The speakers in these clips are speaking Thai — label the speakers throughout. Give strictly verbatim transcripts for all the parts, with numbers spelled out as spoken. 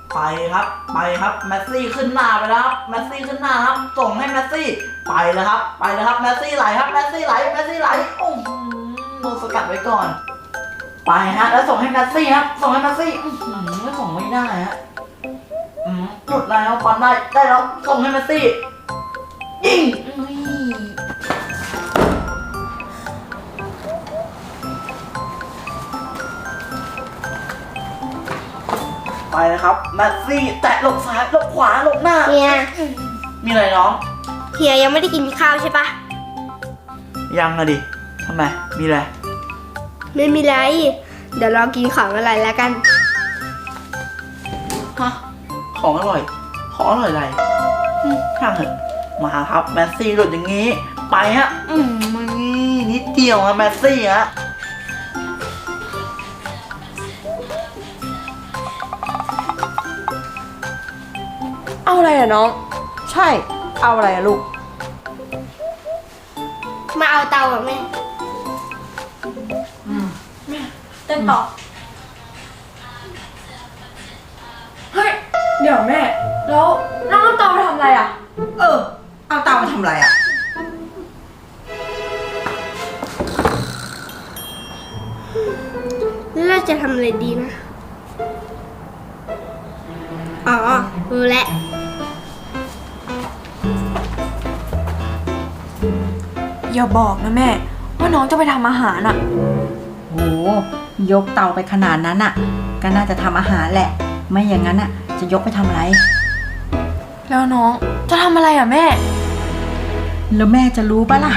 Speaker 1: ไปครับไปครับแมสซี่ขึ้นหน้าไปแล้วครับแมสซี่ขึ้นหน้าครับส่งให้แมสซี่ไปแล้วครับไปแล้วครับแมสซี่ไหลครับแมสซี่ไหลแมสซี่ไหลโอ้โหโดนสกัดไว้ก่อนไปฮะแล้วส่งให้แมสซี่ครับส่งให้แมสซี่ไม่ส่งไม่ได้ฮะหลุดแล้วบอลได้ได้แล้วส่งให้แมสซี่ยิงไปนะครับแมสซี่แตะหลบซ้ายหลบขวาหลบหน้า
Speaker 2: เฮีย
Speaker 1: มีอะไรน้อง
Speaker 2: เฮียยังไม่ได้กินข้าวใช่ปะ
Speaker 1: ยังอะดิทำไมมีอะไร
Speaker 2: ไม่มีไรเดี๋ยวรอกินของอะไรแล้วกัน
Speaker 1: ฮะของอร่อยของอร่อยอะไรอืมช่างเถอะมาครับแมสซี่หลุดอย่างงี้ไปฮะอืมนี่นิดเดียวอะแมสซี่ฮะ
Speaker 3: เอาอะไรอะน้อง
Speaker 1: ใช่เอาอะไรอะลูก
Speaker 2: มาเอาเตาอ่ะแม่
Speaker 3: เต้นต่อ เฮ้ย เดี๋ยวแม่ แล้วน้องเอาเตาไปทำอะไรอะ
Speaker 4: เออ เอาเตามาทำอะไรอ่ะ
Speaker 2: แล้วเราจะทำอะไรดีนะ อ๋อรู้แล้ว
Speaker 3: อย่าบอกนะแม่ ว่าน้องจะไปทำอาหารอะ
Speaker 4: โห ยกเตาไปขนาดนั้นอ่ะ ก็น่าจะทำอาหารแหละ ไม่อย่างนั้นอ่ะ จะยกไปทำอะไร
Speaker 3: แล้วน้องจะทำอะไรอะแม่
Speaker 4: แล้วแม่จะรู้ปะล่ะ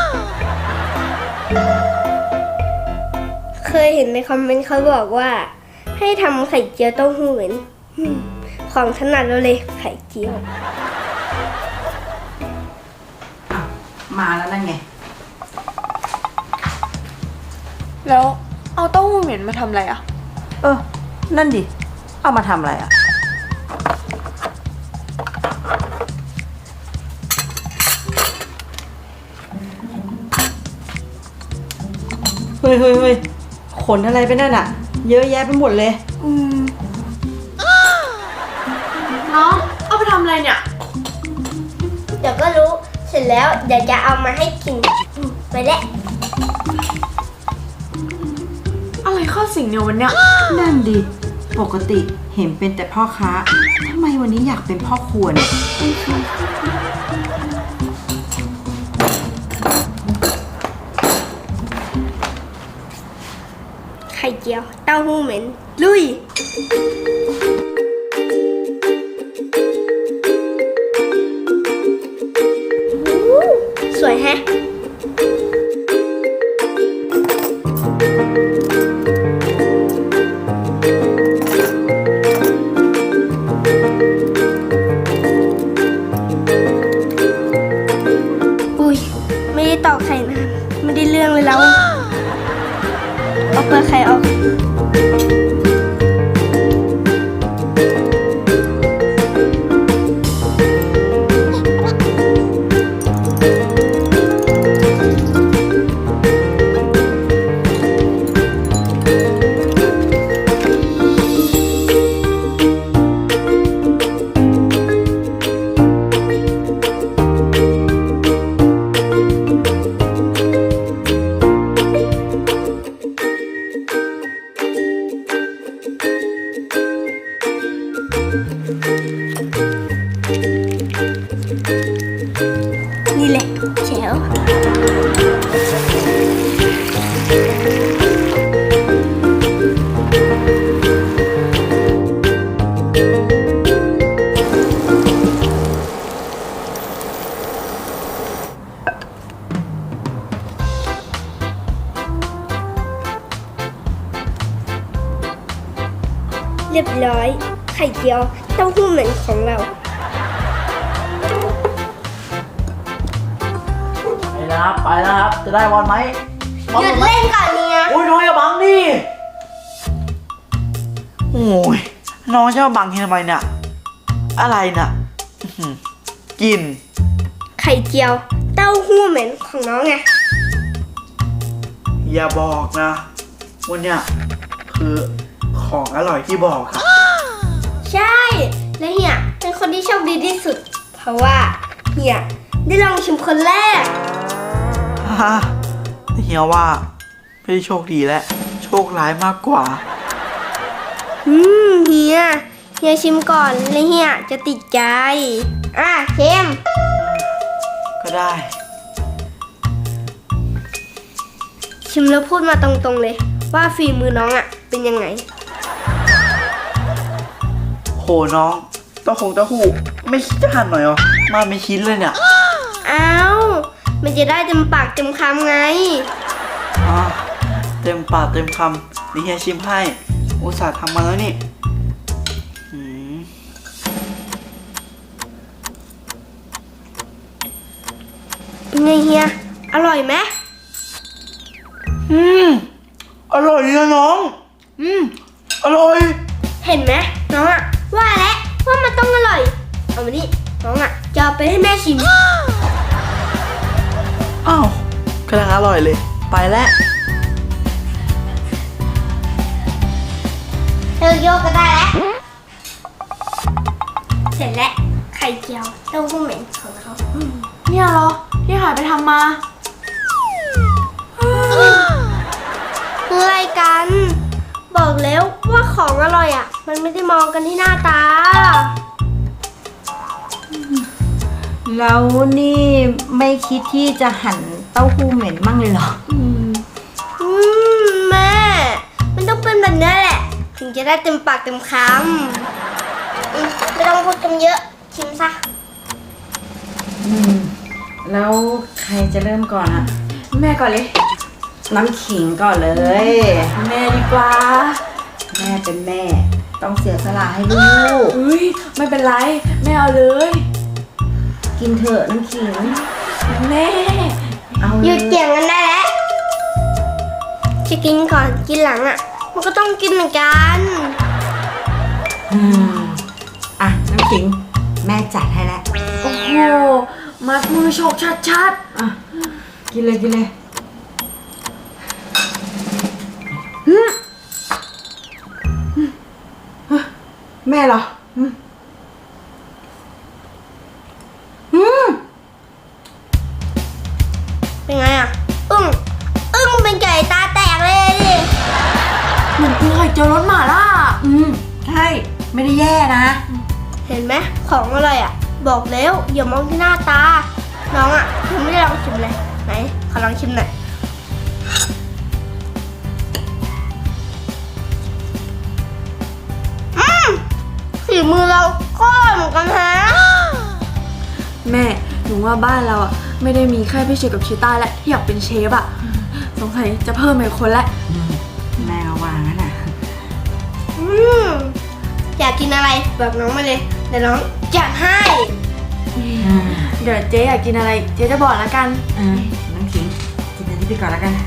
Speaker 2: เคยเห็นในคอมเมนต์เขาบอกว่า ให้ทำไข่เจียวเต้าหู้เหมือนอืมของถนัดเราเลยไข่เจียว
Speaker 4: มาแล้วนั่นไง
Speaker 3: แล้วเอาเต้าหู้เหม็นมาทำอะไรอะ
Speaker 4: เออ นั่นดิ เอามาทำอะไรอ่ะ เฮ้ยเฮ้ยเฮ้ยขนอะไรไปนั่นอ่ะ เยอะแยะไปหมดเลย
Speaker 3: อืมน้อง เอาไปทำอะไรเนี่ย
Speaker 2: เดี๋ยวก็รู้ เสร็จแล้วเดี๋ยวจะเอามาให้กินอืมไปแล้ว
Speaker 3: อะไรเข้าสิงเนี่ยวันเนี้ย
Speaker 4: นั่นดิ ปกติเห็นเป็นแต่พ่อค้า ทำไมวันนี้อยากเป็นพ่อครัวเนี่ย
Speaker 2: ไข่เจียวเต้าหู้เหม็นลุย สวยแฮะ อุ้ย ไม่ได้ตอกไข่นะไม่ได้เรื่องเลยแล้ว เอาเปลือกไข่ออก นี่แหละแจ๋วเรียบร้อย ไข่เจียวเต้าหู้เหม็นของเรา
Speaker 1: ไปแล้วครับไปแล้วครับจะได้บอลไหมบอล
Speaker 2: หยุด
Speaker 1: ไหม
Speaker 2: เล่นก่อนเนี่ย
Speaker 1: โอ้ยน้องอย่าบังดิโอ้ยน้องจะมาบังทำไมเนี่ยอะไรน่ะอื้อหือกิน
Speaker 2: ไข่เจียวเต้าหู้เหม็นของน้องไง
Speaker 1: อย่าบอกนะวันเนี้ยคือของอร่อยที่บอกครับ
Speaker 2: ใช่คนที่โชคดีที่สุด เพราะว่าเฮียได้ลองชิมคนแรก
Speaker 1: ฮ่าเฮียว่าไม่ได้โชคดีแล้วโชคร้ายมากกว่า
Speaker 2: อืมเฮียเฮียชิมก่อนแล้วเฮียจะติดใจ อ่ะเชม
Speaker 1: ก็ได้
Speaker 2: ชิมแล้วพูดมาตรงๆเลย ว่าฝีมือน้องอ่ะ เป็นยังไง
Speaker 1: โหน้องเต้าคงเต้าหู้ไม่คิดจะหั่นหน่อยเหรอมาไม่ชิ้นเลยเนี่ย
Speaker 2: อ้าว มันจะได้เต็มปากเต็มคำไง
Speaker 1: อ๋อเต็มปากเต็มคำนี่เฮียชิมให้อุตส่าห์ทำมาแล้วนี่อืม
Speaker 2: เป็นไงเฮีย อร่อยไหม
Speaker 1: อืมอร่อยนะน้องอืมอร่อย
Speaker 2: เห็นไหมน้องอ่ะ ว่าแล้วว่ามันต้องอร่อย เอามานี่น้องอ่ะจะเอาไปให้แม่ชิม
Speaker 1: อ้าวกำลังอร่อยเลย ไปแล้ว
Speaker 2: เธอโยกก็ได้แล้ว เสร็จแล้ว ไข่เจียวเต้าหู้เหม็นของเขา
Speaker 3: เนี่ยเหรอที่หายไปทำมา
Speaker 2: คืออะไรกัน บอกแล้วว่าของอร่อยอ่ะ มันไม่ได้มองกันที่หน้าตา
Speaker 4: แล้วนี่ไม่คิดที่จะหั่นเต้าหู้เหม็นมั่งเลยเหรอ
Speaker 3: อืม
Speaker 2: อืมแม่ มันต้องเป็นแบบนี้แหละ ถึงจะได้เต็มปากเต็มคำอืมไม่ต้องพูดกันเยอะ ชิมซะ
Speaker 4: อืม แล้วใครจะเริ่มก่อนอะ
Speaker 3: แม่ก่อนเลย
Speaker 4: น้ำขิงก่อนเลย
Speaker 3: แม่ดีกว่า
Speaker 4: แม่เป็นแม่ ต้องเสียสละให้ลูก
Speaker 3: อุ้ยไม่เป็นไรแม่เอาเลย
Speaker 4: กินเถอะน้ำขิง
Speaker 3: แม่
Speaker 4: เอา
Speaker 2: ห
Speaker 4: เล
Speaker 2: ยุด
Speaker 4: ย
Speaker 2: เกี่ยงกันได้แล้ว จะกินก่อนกินหลังอ่ะ มันก็ต้องกินเหมือนกัน
Speaker 4: อืมอ่ะน้ำขิง แม่จัดให้แล้ว
Speaker 3: โอ้โหมัดมือโชกชัด
Speaker 4: อ่ะกินเลยกินเลยแม่เหรออืมอืม
Speaker 2: เป็นไงอ่ะ อึ้ง อึ้งเป็นไก่ตาแตกเลยดิ
Speaker 3: ๆเหมือนกูเคยเจอรถหมาล่า
Speaker 4: อืมใช่ไม่ได้แย่นะ
Speaker 2: เห็นไหมของอร่อยอ่ะ บอกแล้วอย่ามองที่หน้าตา น้องอ่ะยังไม่ได้ลองชิมเลย ไหน ขอลองชิมหน่อย อืมฝีมือเราก็อร่อยเหมือนกันฮะ
Speaker 3: แม่หนูว่าบ้านเราอ่ะไม่ได้มีแค่พี่เชฟกับชิต้าและที่อยากเป็นเชฟอ่ะสงสัยจะเพิ่มอีกคนละ
Speaker 4: อืมแม่ก็วางนั่นน่ะ
Speaker 2: อืมอยากกินอะไรบอกน้องมาเลยเดี๋ยวน้องจัดให้
Speaker 4: อืม
Speaker 3: เดี๋ยวเจ๊อยากกินอะไรเจ๊จะบอกแล้วกัน
Speaker 4: อ่าน้ำขิงกินอันนี้ไปก่อนแล้วกัน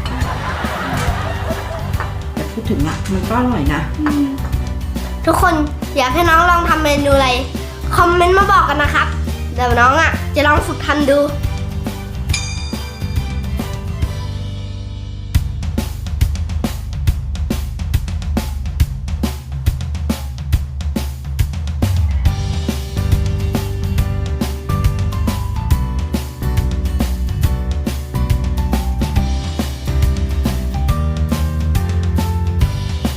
Speaker 4: แต่พูดถึงอ่ะมันก็อร่อยนะ
Speaker 2: ทุกคนอยากให้น้องลองทำเมนูอะไร คอมเมนต์มาบอกกันนะครับ เดี๋ยวน้องอ่ะจะลองฝึกทำดู